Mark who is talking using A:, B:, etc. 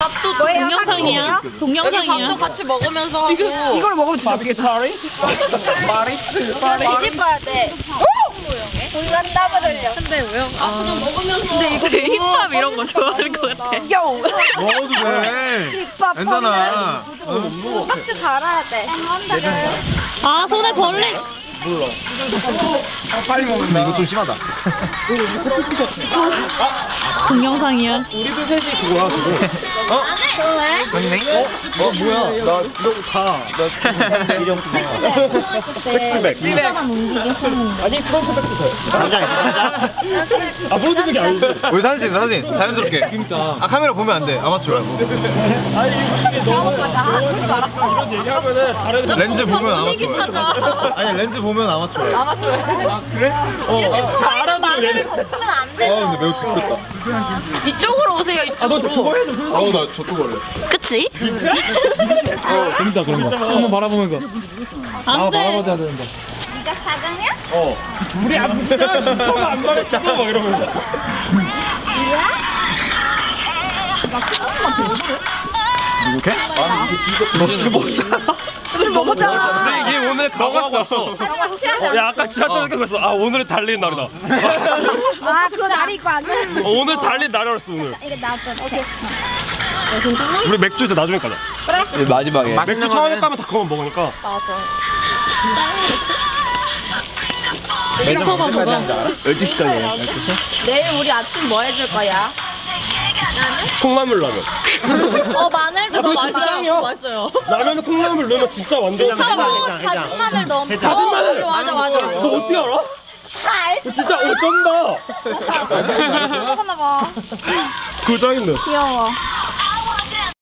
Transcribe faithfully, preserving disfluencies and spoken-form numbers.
A: 밥도 동영상이야. 동영상이야. 밥도 같이 먹으면서 하고.
B: 이걸 먹으면 진짜 되게 잘해.
C: 뒤집어야 돼. 우리가 땀을 흘려.
A: 근데 왜요? 아, 그냥 먹으면서. 근데 이거 힙합 이런 거 좋아하는 것 같아.
B: 요.
D: 먹어도 돼. 괜찮아.
C: 박스 갈아야 돼.
A: 아, 손에 벌레.
D: 빨리 먹는다. 이거 좀 심하다.
A: 동영상이야.
D: 우리도 셋이 그거야 그거. 어?
C: 왜?
D: 맞네? 어? 어 뭐야? 나 이러고 가. 나 이름 백스백.
A: 사람 움직여.
D: 아니 프론트백도 돼. 당장 당장. 아 프론트백이 아니지. 우리 사진 찍 사진 자연스럽게. 그러니까. 아 카메라 보면 안 돼. 아마추어야. 아니 이거 너무 이런 얘기하면은 다른 렌즈 보면 아마추어야. 아니 렌즈 보면 아마추어야. 아마추어야. 아 그래? 어.
C: 다 알아들으면 걷으면 안 돼.
D: 아 근데 매우 죽겠다.
A: 이쪽으로 오세요. 이쪽으로.
D: 아너 그거 해줘. 아우 나 저쪽 할래.
A: 그치?
E: 어, 재밌다 그런 거. 한번 바라보면서.
A: 안 돼.
E: 바라보자 되는데.
C: 네가 사강이야?
D: 어.
E: 우리 안 붙잖아. 슈퍼가 안 말했어. 막 이러면서.
D: 이렇게? 아니
E: 너술 먹잖아.
B: 술 먹었잖아.
E: 근데 이게 오늘 먹었어.
C: 정말 취하지 않아.
E: 야 아까 지하철 생각했어. 아 오늘 달리는 날이다.
B: 아 그런 날이 있고 안 돼.
E: 어, 오늘 달리는 날이었어 오늘.
C: 이거 나도. 오케이.
E: 우리 맥주 이제 나중에 가자.
C: 그래.
D: 마지막에.
E: 맥주 처음에 까면 다 그거만 먹으니까.
A: 이거 봐봐, 저거.
D: 열두 시까지야.
A: 내일 우리 아침 뭐 해줄 거야?
E: 콩나물 라면.
A: 어, 마늘도 더
E: 그거 짱이야.
A: 맛있어요. 맛있어요.
E: 라면에 콩나물 넣으면 진짜 완전.
C: 다진 마늘 넣으면.
E: 다진 마늘.
A: 맞아, 맞아.
E: 너 어떻게 알아? 너 진짜 어쩐다.
C: 먹었나 봐.
E: 그거 짱인데.
C: 귀여워.